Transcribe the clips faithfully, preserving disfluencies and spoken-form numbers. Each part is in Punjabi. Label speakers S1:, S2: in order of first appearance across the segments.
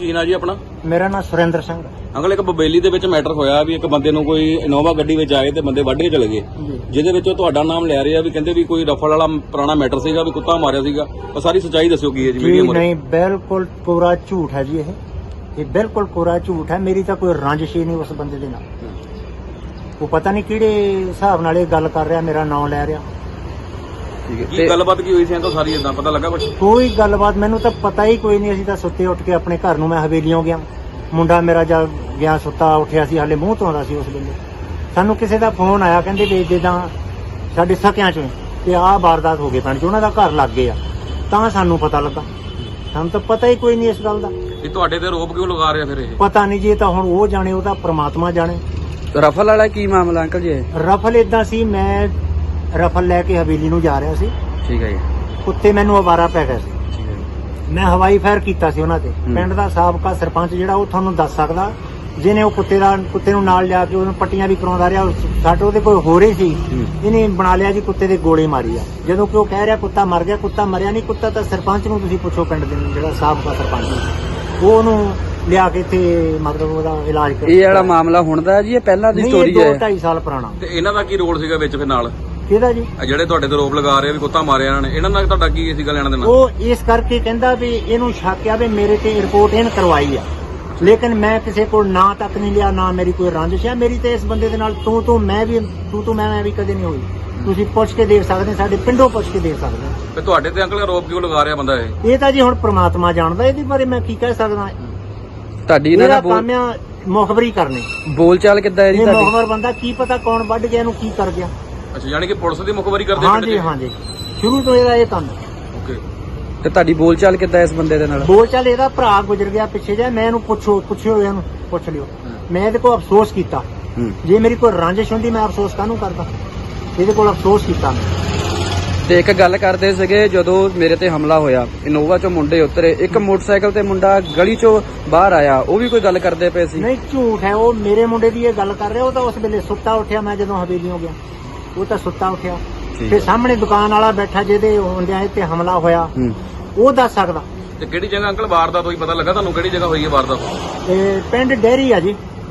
S1: ਕੀ ਨਾਂ ਜੀ ਆਪਣਾ?
S2: ਮੇਰਾ ਨਾਮ ਸੁਰਿੰਦਰ ਸਿੰਘ।
S1: ਅੰਕਲ ਇੱਕ ਬਬੇਲੀ ਦੇ ਵਿੱਚ ਮੈਟਰ ਹੋਇਆ ਵੀ ਇੱਕ ਬੰਦੇ ਨੂੰ ਕੋਈ ਇਨੋਵਾ ਗੱਡੀ ਵਿੱਚ ਆਏ ਤੇ ਬੰਦੇ ਵੱਢ ਕੇ ਚਲੇ ਗਏ, ਜਿਹਦੇ ਵਿੱਚ ਤੁਹਾਡਾ ਨਾਮ ਲੈ ਰਹੇ ਆ ਵੀ ਕਹਿੰਦੇ ਵੀ ਕੋਈ ਰਫਲ ਵਾਲਾ ਪੁਰਾਣਾ ਮੈਟਰ ਸੀਗਾ ਵੀ ਕੁੱਤਾ ਮਾਰਿਆ ਸੀਗਾ। ਉਹ ਸਾਰੀ ਸੱਚਾਈ ਦੱਸਿਓ ਕੀ ਹੈ ਜੀ ਮੀਡੀਆ
S2: ਨਹੀਂ, ਬਿਲਕੁਲ ਪੂਰਾ ਝੂਠ ਹੈ ਜੀ। ਇਹ ਇਹ ਬਿਲਕੁਲ ਪੂਰਾ ਝੂਠ ਹੈ। ਮੇਰੀ ਤਾਂ ਕੋਈ ਰੰਜਿਸ਼ ਹੀ ਨਹੀਂ ਉਸ ਬੰਦੇ ਦੇ ਨਾਲ। ਉਹ ਪਤਾ ਨਹੀਂ ਕਿਹੜੇ ਹਿਸਾਬ ਨਾਲ ਇਹ ਗੱਲ ਕਰ ਰਿਹਾ, ਮੇਰਾ ਨਾਮ ਲੈ ਰਿਹਾ।
S1: ਕੀ ਗੱਲਬਾਤ ਕੀ ਹੋਈ ਸੀ ਅੰਕਲ? ਸਾਰੀ ਇਦਾਂ ਪਤਾ ਲੱਗਾ ਕੁਝ?
S2: ਕੋਈ ਗੱਲਬਾਤ ਮੈਨੂੰ ਤਾਂ ਪਤਾ ਹੀ ਕੋਈ ਨਹੀਂ। ਅਸੀਂ ਤਾਂ ਸੁੱਤੇ ਉੱਠ ਕੇ ਆਪਣੇ ਘਰ ਨੂੰ, ਮੈਂ ਹਵੇਲੀਓਂ ਗਿਆ, ਮੁੰਡਾ ਮੇਰਾ ਜਦ ਗਿਆ ਸੁੱਤਾ ਉੱਠਿਆ ਸੀ, ਹਾਲੇ ਮੂੰਹ ਧੋਂਦਾ ਸੀ ਉਸ ਵੇਲੇ। ਸਾਨੂੰ ਕਿਸੇ ਦਾ ਫੋਨ ਆਇਆ, ਕਹਿੰਦੇ ਵੀ ਜਿੱਦਾਂ ਸਾਡੇ ਸਕਿਆਂ ਚੋਂ ਤੇ ਆਹ ਵਾਰਦਾਤ ਹੋ ਗਈ ਪਿੰਡ ਚ, ਉਹਨਾਂ ਦਾ ਘਰ ਲੱਗ ਗਿਆ। ਤਾਂ ਸਾਨੂੰ ਪਤਾ ਲੱਗਾ, ਸਾਨੂੰ ਤਾਂ ਪਤਾ ਹੀ ਕੋਈ ਨਹੀਂ ਇਸ ਗੱਲ ਦਾ।
S1: ਇਹ ਤੁਹਾਡੇ ਤੇ ਆਰੋਪ ਕਿਉਂ ਲਗਾ ਰਿਹਾ ਫਿਰ? ਇਹ
S2: ਪਤਾ ਨਹੀਂ ਜੀ, ਇਹ ਤਾਂ ਹੁਣ ਉਹ ਜਾਣੇ, ਉਹਦਾ ਪ੍ਰਮਾਤਮਾ ਜਾਣੇ।
S3: ਰਫਲ ਵਾਲਾ ਕੀ ਮਾਮਲਾ ਅੰਕਲ ਜੀ?
S2: ਰਫਲ ਇਦਾਂ ਸੀ, ਮੈਂ ਰਫਲ ਲੈ ਕੇ ਹਵੇਲੀ ਨੂੰ ਜਾ ਰਿਹਾ ਸੀ।
S3: ਠੀਕ ਹੈ ਜੀ।
S2: ਕੁੱਤੇ ਮੈਨੂੰ ਅਵਾਰਾ ਪੈ ਗਿਆ ਸੀ।
S3: ਠੀਕ ਹੈ ਜੀ।
S2: ਮੈਂ ਹਵਾਈ ਫਾਇਰ ਕੀਤਾ ਸੀ ਉਹਨਾਂ ਤੇ। ਪਿੰਡ ਦਾ ਸਾਬਕਾ ਸਰਪੰਚ ਜਿਹੜਾ, ਉਹ ਤੁਹਾਨੂੰ ਦੱਸ ਸਕਦਾ, ਜਿਹਨੇ ਉਹ ਕੁੱਤੇ ਦਾ ਕੁੱਤੇ ਨੂੰ ਨਾਲ ਲਿਆ ਕੇ ਉਹਨੂੰ ਪੱਟੀਆਂ ਵੀ ਕਰਾਉਂਦਾ ਰਿਹਾ। ਸਾਡੇ ਉਹਦੇ ਕੋਈ ਹੋ ਰਹੀ ਸੀ, ਇਹਨੇ ਬਣਾ ਲਿਆ ਜੀ ਕੁੱਤੇ ਦੇ ਗੋਲੀ ਮਾਰੀ ਆ। ਜਦੋਂ ਕਿ ਉਹ ਕਹਿ ਰਿਹਾ ਕੁੱਤਾ ਮਰ ਗਿਆ, ਕੁੱਤਾ ਮਰਿਆ ਨਹੀਂ। ਕੁੱਤਾ ਤਾਂ ਸਰਪੰਚ ਨੂੰ ਤੁਸੀਂ ਪੁੱਛੋ, ਪਿੰਡ ਦੇ ਜਿਹੜਾ ਸਾਬਕਾ ਸਰਪੰਚ, ਉਹ ਉਹਨੂੰ ਲਿਆ ਕੇ ਇੱਥੇ ਮਤਲਬ ਉਹਦਾ ਇਲਾਜ ਕਰ।
S3: ਇਹ ਵਾਲਾ ਮਾਮਲਾ ਹੁਣ ਦਾ ਜੀ, ਇਹ ਪਹਿਲਾਂ ਦੀ ਸਟੋਰੀ ਹੈ?
S2: ਦੋ ਢਾਈ ਸਾਲ ਪੁਰਾਣਾ।
S1: ਤੇ ਇਹਨਾਂ ਦਾ ਕੀ ਰੋਲ ਸੀਗਾ ਵਿੱਚ ਫਿਰ ਨਾਲ?
S2: ਕਿਹਦਾ ਜੀ?
S1: ਜਿਹੜੇ ਤੁਹਾਡੇ ਤੇ ਆਰੋਪ ਲਗਾ ਰਹੇ ਆ ਵੀ ਕੁੱਤਾ ਮਾਰਿਆ ਇਹਨਾਂ ਨੇ, ਇਹਨਾਂ ਨਾਲ ਤੁਹਾਡਾ ਕੀ ਸੀਗਾ ਲੈਣਾ ਦੇਣਾ?
S2: ਉਹ ਇਸ ਕਰਕੇ ਕਹਿੰਦਾ ਵੀ ਇਹਨੂੰ ਸ਼ੱਕ ਆ ਵੀ ਮੇਰੇ ਤੇ ਰਿਪੋਰਟ ਇਹਨ ਕਰਵਾਈ ਆ, ਲੇਕਿਨ ਮੈਂ ਕਿਸੇ ਕੋਲ ਨਾਂ ਤੱਕ ਨਹੀਂ ਲਿਆ, ਨਾ ਮੇਰੀ ਕੋਈ ਰੰਜਿਸ਼ ਹੈ। ਮੇਰੀ ਤੇ ਇਸ ਬੰਦੇ ਦੇ ਨਾਲ ਤੂੰ ਤੂੰ ਮੈਂ ਵੀ ਤੂੰ ਤੂੰ ਮੈਂ ਮੈਂ ਵੀ ਕਦੇ ਨਹੀਂ ਹੋਈ। ਤੁਸੀਂ ਪੁੱਛ ਕੇ ਦੇਖ ਸਕਦੇ, ਸਾਡੇ ਪਿੰਡੋਂ ਪੁੱਛ ਕੇ ਦੇਖ ਸਕਦੇ।
S1: ਤੇ ਤੁਹਾਡੇ ਤੇ ਅੰਕਲ ਆਰੋਪ ਕਿਉਂ ਲਗਾ ਰਿਹਾ ਬੰਦਾ ਇਹ?
S2: ਇਹ ਤਾਂ ਜੀ ਹੁਣ ਪ੍ਰਮਾਤਮਾ ਜਾਣਦਾ, ਇਹਦੇ ਬਾਰੇ ਮੈਂ ਕੀ ਕਹਿ ਸਕਦਾ।
S3: ਤੁਹਾਡੀ ਇਹਨਾਂ
S2: ਇਹਦਾ
S3: ਦਾ
S2: ਕੰਮ ਆ ਮੁਖਬਰੀ ਕਰਨੀ।
S3: ਬੋਲ ਚਾਲ ਕਿੱਦਾਂ ਹੈ ਜੀ
S2: ਇਹ
S3: ਤੁਹਾਡੀ?
S2: ਮੁਖਬਰ ਬੰਦਾ, ਕੀ ਪਤਾ ਕੌਣ ਵੱਢ ਗਿਆ, ਇਹਨੂੰ ਕੀ ਕਰ ਗਿਆ।
S1: ਅੱਛਾ, ਯਾਨੀ ਕਿ ਪੁਲਿਸ ਦੀ ਮੁਖਬਰੀ ਕਰਦੇ
S2: ਹਾਂ ਜੀ, ਹਾਂ ਜੀ, ਸ਼ੁਰੂ ਤੋਂ ਇਹਦਾ ਇਹ ਕੰਮ।
S1: ਓਕੇ।
S3: ਤੇ ਤੁਹਾਡੀ ਬੋਲ ਚਾਲ ਕਿੱਦਾਂ ਇਸ ਬੰਦੇ ਦੇ ਨਾਲ?
S2: ਬੋਲ ਚਾਲ, ਇਹਦਾ ਭਰਾ ਗੁਜ਼ਰ ਗਿਆ ਪਿੱਛੇ ਜਾ, ਮੈਂ ਇਹਨੂੰ ਪੁੱਛੋ ਪੁੱਛਿਓ ਇਹਨੂੰ ਪੁੱਛ ਲਿਓ। ਮੈਂ ਇਹਦੇ ਕੋਲ ਅਫਸੋਸ ਕੀਤਾ। ਜੇ ਮੇਰੀ ਕੋਈ ਰੰਜਿਸ਼ ਹੁੰਦੀ ਮੈਂ ਅਫਸੋਸ ਕਾਹਨੂੰ ਕਰਦਾ? ਇਹਦੇ ਕੋਲ ਅਫਸੋਸ ਕੀਤਾ ਮੈਂ।
S3: ਤੇ ਇੱਕ ਗੱਲ ਕਰਦੇ ਸੀਗੇ, ਜਦੋਂ ਮੇਰੇ ਤੇ ਹਮਲਾ ਹੋਇਆ, ਇਨੋਵਾ ਚੋਂ ਮੁੰਡੇ ਉਤਰੇ, ਇੱਕ ਮੋਟਰਸਾਈਕਲ ਤੇ ਮੁੰਡਾ ਗਲੀ ਚੋਂ ਬਾਹਰ ਆਇਆ, ਉਹ ਵੀ ਕੋਈ ਗੱਲ ਕਰਦੇ ਪਏ ਸੀ?
S2: ਨਹੀਂ, ਝੂਠ ਹੈ। ਉਹ ਮੇਰੇ ਮੁੰਡੇ ਦੀ ਇਹ ਗੱਲ ਕਰ ਰਿਹਾ। ਉਹ ਤਾਂ ਉਸ ਵੇਲੇ ਸੁੱਤਾ ਉੱਠਿਆ, ਮੈਂ ਜਦੋਂ ਹਵੇਲੀਓਂ ਗਿਆ, ਉਹ ਤਾਂ ਸੁੱਤਾ ਉੱਠਿਆ। ਤੇ ਸਾਹਮਣੇ ਦੁਕਾਨ ਵਾਲਾ ਬੈਠਾ, ਜਿਹਦੇ ਹੁੰਦਿਆਂ ਤੇ ਹਮਲਾ ਹੋਇਆ, ਉਹ ਦੱਸ ਸਕਦਾ।
S1: ਤੇ ਕਿਹੜੀ ਜਗ੍ਹਾ ਅੰਕਲ ਵਾਰਦਾਤ ਹੋਈ, ਪਤਾ ਲੱਗਾ ਤੁਹਾਨੂੰ ਕਿਹੜੀ ਜਗ੍ਹਾ ਹੋਈ ਹੈ ਵਾਰਦਾਤ?
S2: ਤੇ ਪਿੰਡ ਡੇਰੀ ਆ ਜੀ।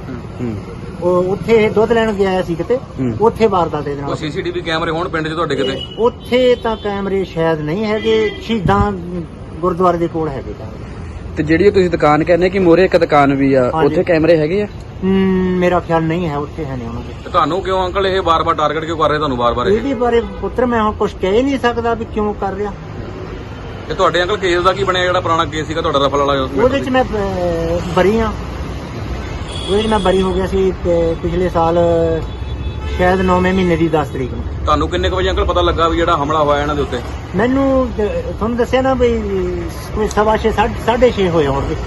S2: ਉਹ ਉੱਥੇ ਦੁੱਧ ਲੈਣ ਗਿਆ ਸੀ ਕਿਤੇ, ਉੱਥੇ ਵਾਰਦਾਤ ਦੇ ਨਾਲ।
S1: ਸੀਸੀਟੀਵੀ ਕੈਮਰੇ ਹੋਣ ਪਿੰਡ 'ਚ ਤੁਹਾਡੇ ਕਿਤੇ?
S2: ਉੱਥੇ ਤਾਂ ਕੈਮਰੇ ਸ਼ਾਇਦ ਨਹੀਂ ਹੈਗੇ, ਸ਼ਹੀਦਾਂ ਗੁਰਦੁਆਰੇ ਦੇ ਕੋਲ ਹੈਗੇ ਕੈਮਰੇ।
S3: ਤੇ ਜਿਹੜੀ ਤੁਸੀਂ ਦੁਕਾਨ ਕਹਿੰਦੇ ਕਿ ਮੋਰੇ ਇੱਕ ਦੁਕਾਨ ਵੀ ਆ, ਉੱਥੇ ਕੈਮਰੇ ਹੈਗੇ ਆ?
S2: ਮੇਰਾ ਖਿਆਲ ਨਹੀਂ ਹੈ, ਉੱਥੇ ਹੈ ਨਹੀਂ ਉਹਨਾਂ ਦੇ।
S1: ਤੁਹਾਨੂੰ ਕਿਉਂ ਅੰਕਲ ਇਹ ਵਾਰ-ਵਾਰ ਟਾਰਗੇਟ ਕਿਉਂ ਕਰ ਰਹੇ ਤੁਹਾਨੂੰ ਵਾਰ-ਵਾਰ?
S2: ਇਹਦੇ ਬਾਰੇ ਪੁੱਤਰ ਮੈਂ ਹੁਣ ਕੁਝ ਕਹਿ ਨਹੀਂ ਸਕਦਾ ਵੀ ਕਿਉਂ ਕਰ ਰਿਹਾ।
S1: ਇਹ ਤੁਹਾਡੇ ਅੰਕਲ ਕੇਸ ਦਾ ਕੀ ਬਣਿਆ, ਜਿਹੜਾ ਪੁਰਾਣਾ ਕੇਸ ਸੀਗਾ ਤੁਹਾਡਾ ਰਫਲ ਵਾਲਾ?
S2: ਉਹਦੇ ਚ ਮੈਂ ਬਰੀ ਆ, ਉਹਦੇ ਚ ਮੈਂ ਬਰੀ ਹੋ ਗਿਆ ਸੀ ਪਿਛਲੇ ਸਾਲ, ਸ਼ਾਇਦ ਨੌਵੇਂ ਮਹੀਨੇ ਦੀ ਦਸ ਤਰੀਕ ਨੂੰ।
S1: ਤੁਹਾਨੂੰ ਕਿੰਨੇ ਕੁ ਵਜੇ ਅੰਕਲ ਪਤਾ ਲੱਗਾ ਵੀ ਜਿਹੜਾ ਹਮਲਾ ਹੋਇਆ ਇਹਨਾਂ ਦੇ ਉੱਤੇ?
S2: ਮੈਨੂੰ ਤੁਹਾਨੂੰ ਦੱਸਿਆ ਨਾ ਵੀ ਕੋਈ ਸਵਾ ਛੇ ਸਾਢੇ ਛੇ ਹੋਏ ਹੋਣਗੇ।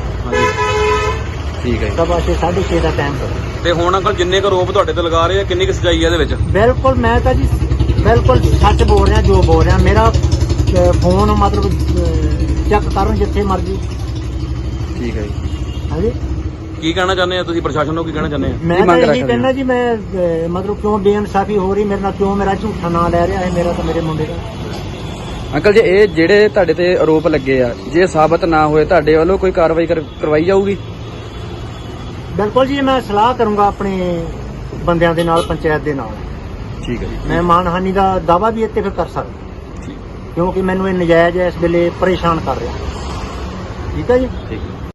S3: ਠੀਕ ਹੈ,
S2: ਸਵਾ ਛੇ ਸਾਢੇ ਛੇ ਦਾ ਟਾਈਮ।
S1: ਤੇ ਹੁਣ ਅੰਕਲ ਜਿੰਨੇ ਕੁ ਰੋਪ ਤੁਹਾਡੇ ਤੇ ਲਗਾ ਰਹੇ ਆ, ਕਿੰਨੀ ਕੁ ਸੱਚਾਈ ਹੈ ਇਹਦੇ ਵਿੱਚ?
S2: ਬਿਲਕੁਲ, ਮੈਂ ਤਾਂ ਜੀ ਬਿਲਕੁਲ ਸੱਚ ਬੋਲ ਰਿਹਾ, ਜੋ ਬੋਲ ਰਿਹਾ। ਮੇਰਾ ਫੋਨ ਮਤਲਬ ਚੈੱਕ ਕਰਨ ਜਿੱਥੇ ਮਰਜ਼ੀ।
S3: ਠੀਕ ਹੈ ਜੀ।
S2: ਹਾਂਜੀ,
S1: ਕੀ ਕਹਿਣਾ ਚਾਹੁੰਦੇ ਆ ਤੁਸੀਂ ਪ੍ਰਸ਼ਾਸਨ ਨੂੰ? ਕੀ ਕਹਿਣਾ ਚਾਹੁੰਦੇ ਆ?
S2: ਮੈਂ ਤਾਂ ਇਹੀ ਕਹਿਣਾ ਜੀ, ਮੈਂ ਮਤਲਬ ਕਿਉਂ ਬੇਇਨਸਾਫੀ ਹੋ ਰਹੀ ਮੇਰੇ ਨਾਲ, ਕਿਉਂ ਮੇਰਾ ਝੂਠਾ ਨਾਂ ਲੈ ਰਿਹਾ ਹੈ, ਮੇਰਾ ਤਾਂ ਮੇਰੇ ਮੁੰਡੇ ਦਾ।
S3: ਅੰਕਲ ਜੀ, ਇਹ ਜਿਹੜੇ ਤੁਹਾਡੇ ਤੇ ਆਰੋਪ ਲੱਗੇ ਆ, ਜੇ ਸਾਬਤ ਨਾ ਹੋਏ, ਤੁਹਾਡੇ ਵੱਲੋਂ ਕੋਈ ਕਾਰਵਾਈ ਕਰਵਾਈ ਜਾਊਗੀ?
S2: ਬਿਲਕੁਲ ਜੀ, ਮੈਂ ਸਲਾਹ ਕਰੂੰਗਾ ਆਪਣੇ ਬੰਦਿਆਂ ਦੇ ਨਾਲ, ਪੰਚਾਇਤ ਦੇ ਨਾਲ।
S3: ਠੀਕ ਹੈ ਜੀ।
S2: ਮੈਂ ਮਾਨਹਾਨੀ ਦਾ ਦਾਅਵਾ ਵੀ ਇੱਥੇ ਫਿਰ ਕਰ ਸਕਦਾ, ਕਿਉਂਕਿ ਮੈਨੂੰ ਇਹ ਨਜਾਇਜ਼ ਇਸ ਵੇਲੇ ਪਰੇਸ਼ਾਨ ਕਰ ਰਿਹਾ। ਠੀਕ ਹੈ ਜੀ।
S3: ਠੀਕ ਹੈ।